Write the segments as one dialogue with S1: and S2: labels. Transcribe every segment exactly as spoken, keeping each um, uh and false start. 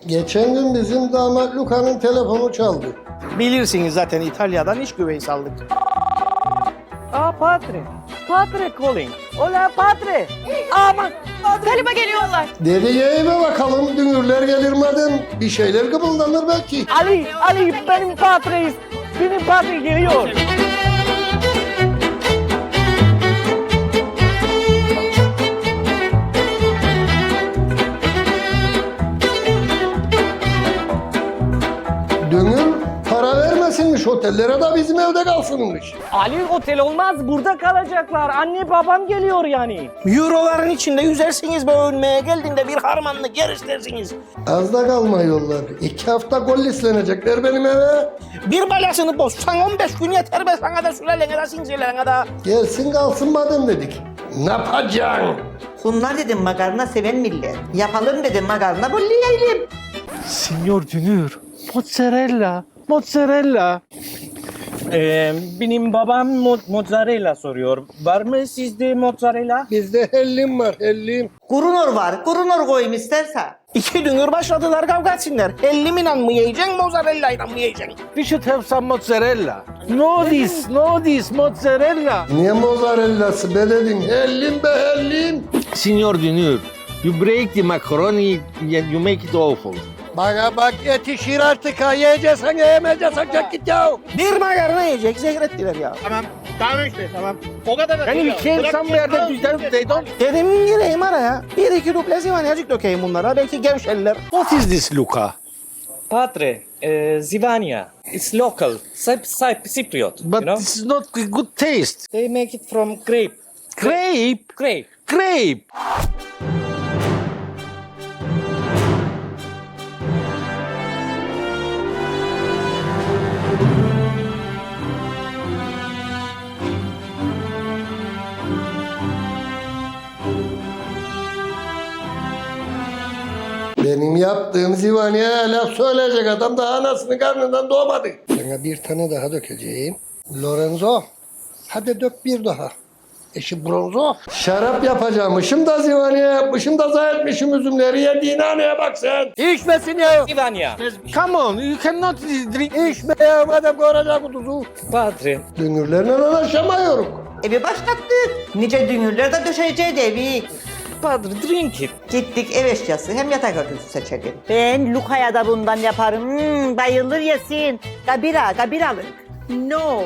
S1: Geçen gün bizim damat Luca'nın telefonu çaldı.
S2: Bilirsiniz zaten İtalya'dan iş güveyi aldık. Aa padre. Padre calling. Hola padre.
S3: Aman galiba geliyorlar.
S1: Dedi ya eve bakalım dünürler gelir madem bir şeyler kıpıldanır belki.
S2: Ali, Ali benim padre. Benim padre geliyor.
S1: Dünür para vermesinmiş otellere de bizim evde kalsınmış.
S2: Ali otel olmaz, burada kalacaklar. Anne babam geliyor yani. Euroların içinde yüzersiniz be ölmeye geldiğinde bir harmanlık yer istersiniz.
S1: Az da kalma yollar. İki hafta gollislenecekler benim eve.
S2: Bir balasını bozsan on beş gün yeter be sana da sülalene de sinsilerine de.
S1: Gelsin kalsın madem dedik. Ne yapacaksın?
S4: Bunlar dedim makarna seven millet. Yapalım dedim makarna bu yiyelim.
S2: Signor Dünür, mozzarella, mozzarella. Ee, benim babam mo- mozzarella soruyor. Var mı sizde mozzarella?
S1: Bizde hellim var hellim.
S4: Kurunor var. Kurunor koyayım istersen.
S2: İki dünür başladılar kavga etsinler. Elliminle mı yiyeceksin, mozzarella'yla mı yiyeceksin?
S5: We should have some mozzarella. No this, no this mozzarella.
S1: Niye mozzarellası be dedim. Hellim be hellim.
S5: Signor Dünür, you break the macaroni and you make it awful.
S1: Bana bak yetişir artık ha. Yiyeceksen yiyemeyeceksen çek git ya.
S2: Bir makarna yiyecek, zehrettiler ya.
S6: Tamam. Tamam işte tamam. O kadar da
S5: Can
S6: değil
S5: you
S6: ya.
S5: change
S6: Bırak
S5: somewhere
S6: gitsin,
S5: that you don't, they don't?
S2: Dedim gireyim araya. Bir iki duble zivanyacık dökeyim bunlara. Belki gevşerler.
S5: What is this, Luca?
S7: Padre, uh, Zivania. It's local, Cyp- Cyp- Cypriot.
S5: But
S7: you know,
S5: this is not good taste.
S7: they make it from grape.
S5: Grape,
S7: Grape.
S5: grape.
S1: Benim yaptığım zivaniye laf söyleyecek adam daha anasının karnından doğmadı. Sana bir tane daha dökeceğim. Lorenzo, hadi dök bir daha. Eşi Bronzo. Şarap yapacağımışım da zivaniye yapmışım da zayi etmişim üzümleri yediğin haneye bak sen. İçmesin ya.
S7: Zivania.
S5: Come on, you cannot drink.
S1: İçme ya madem koracak bu tuzu.
S7: Padre,
S1: Dünürlerle anlaşamıyoruz.
S4: Evi başlattık. Nice dünürler de döşeyeceğiz evi.
S7: Padre, drink it.
S4: Gittik ev eşyası hem yatak örtüsü seçelim. Ben Luca'ya da bundan yaparım. Hmm, bayılır yesin. Gabira, gabiralık.
S3: No.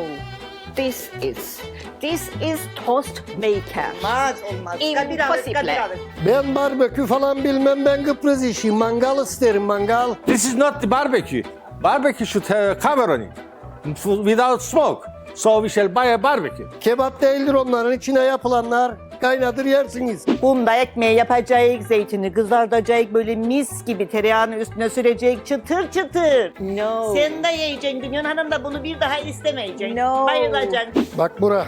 S3: This is. This is toast maker.
S4: Olmaz olmaz. Gabiralık,
S3: Impossible.
S4: gabiralık.
S1: Ben barbekü falan bilmem ben Kıbrıs işi. Mangal isterim mangal.
S5: This is not the barbecue. Barbecue should have a cover on it, F- without smoke. So we shall buy a barbecue.
S1: Kebap değildir onların içine yapılanlar. Kaynadır yersiniz.
S4: Bunda ekmeği yapacak, zeytini kızartacak, böyle mis gibi tereyağını üstüne sürecek, çıtır çıtır.
S3: No.
S4: Sen de yiyeceksin, Dünyan Hanım da bunu bir daha istemeyeceksin.
S3: No.
S4: Bayılacaksın.
S1: Bak bura.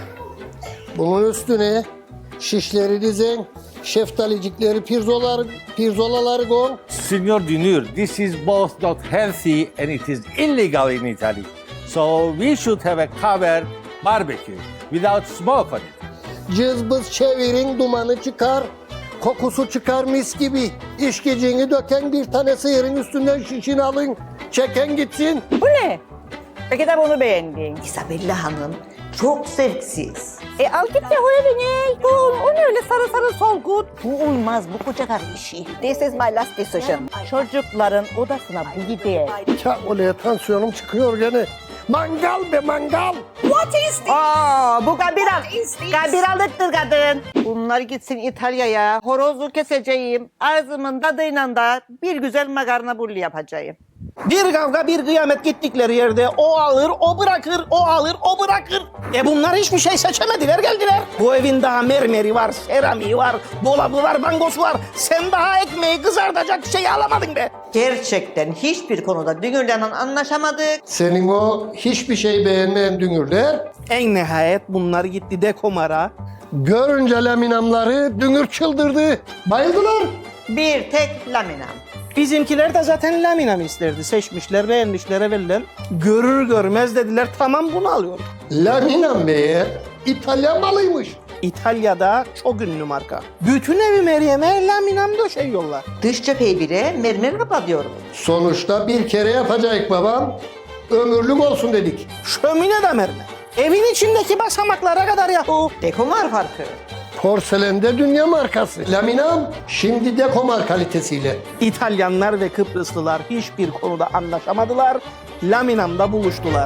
S1: Bunun üstüne şişleri dizin. Şeftalicikleri, pirzolaları, pirzolaları koy.
S5: Signor Dünür, this is both not healthy and it is illegal in Italy. So we should have a covered barbecue without smoke on it.
S1: Cızbız çevirin, dumanı çıkar. Kokusu çıkar mis gibi. İşkiciğini döken bir tane sıyırın üstünden şişini alın. Çeken gitsin.
S4: Bu ne? Peki de bunu beğendin. Isabella Hanım çok zevksiz.
S3: E al git ya o evine. Oğlum, o ne öyle sarı sarı solgun.
S4: Bu olmaz, bu koca karı işi.
S3: This is my last decision.
S4: Çocukların odasına bu gider.
S1: Ya olaya tansiyonum çıkıyor gene. Mangal be mangal.
S3: What is this?
S4: Aa, bu gabiral.
S3: What is this?
S4: Gabiralıktır kadın. Bunlar gitsin İtalya'ya. Horozu keseceğim. Ağzımın tadıyla da bir güzel makarna bulli yapacağım.
S2: Bir kavga bir kıyamet gittikleri yerde o alır, o bırakır, o alır, o bırakır. E bunlar hiçbir şey seçemediler geldiler. Bu evin daha mermeri var, seramiği var, dolabı var, bangosu var. Sen daha ekmeği kızartacak şey alamadın be.
S4: Gerçekten hiçbir konuda Dünür'le anlaşamadık.
S1: Senin o hiçbir şey beğenmeyen dünürler
S2: En nihayet bunlar gitti Dekomar'a.
S1: görünce laminamları dünür çıldırdı. Bayıldılar.
S4: Bir tek laminam.
S2: Bizimkiler de zaten laminam isterdi. Seçmişler, beğenmişler evvelen. Görür görmez dediler tamam bunu alıyorum.
S1: Laminam be. İtalyan malıymış.
S2: İtalya'da çok ünlü marka. Bütün evi Meryem'e laminam döşeyiyorlar.
S4: Dış cepheyi bile mermer kapatıyorum.
S1: Sonuçta bir kere yapacak babam. Ömürlük olsun dedik.
S2: Şömine de mermer. Evin içindeki basamaklara kadar yahu.
S4: Dekomar farkı.
S1: Porselende dünya markası. Laminam şimdi dekomar kalitesiyle.
S2: İtalyanlar ve Kıbrıslılar hiçbir konuda anlaşamadılar. Laminam'da buluştular.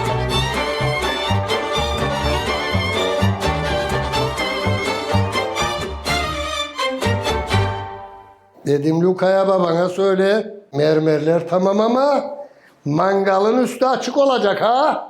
S1: Dedim Luka'ya babana söyle. Mermerler tamam ama mangalın üstü açık olacak ha.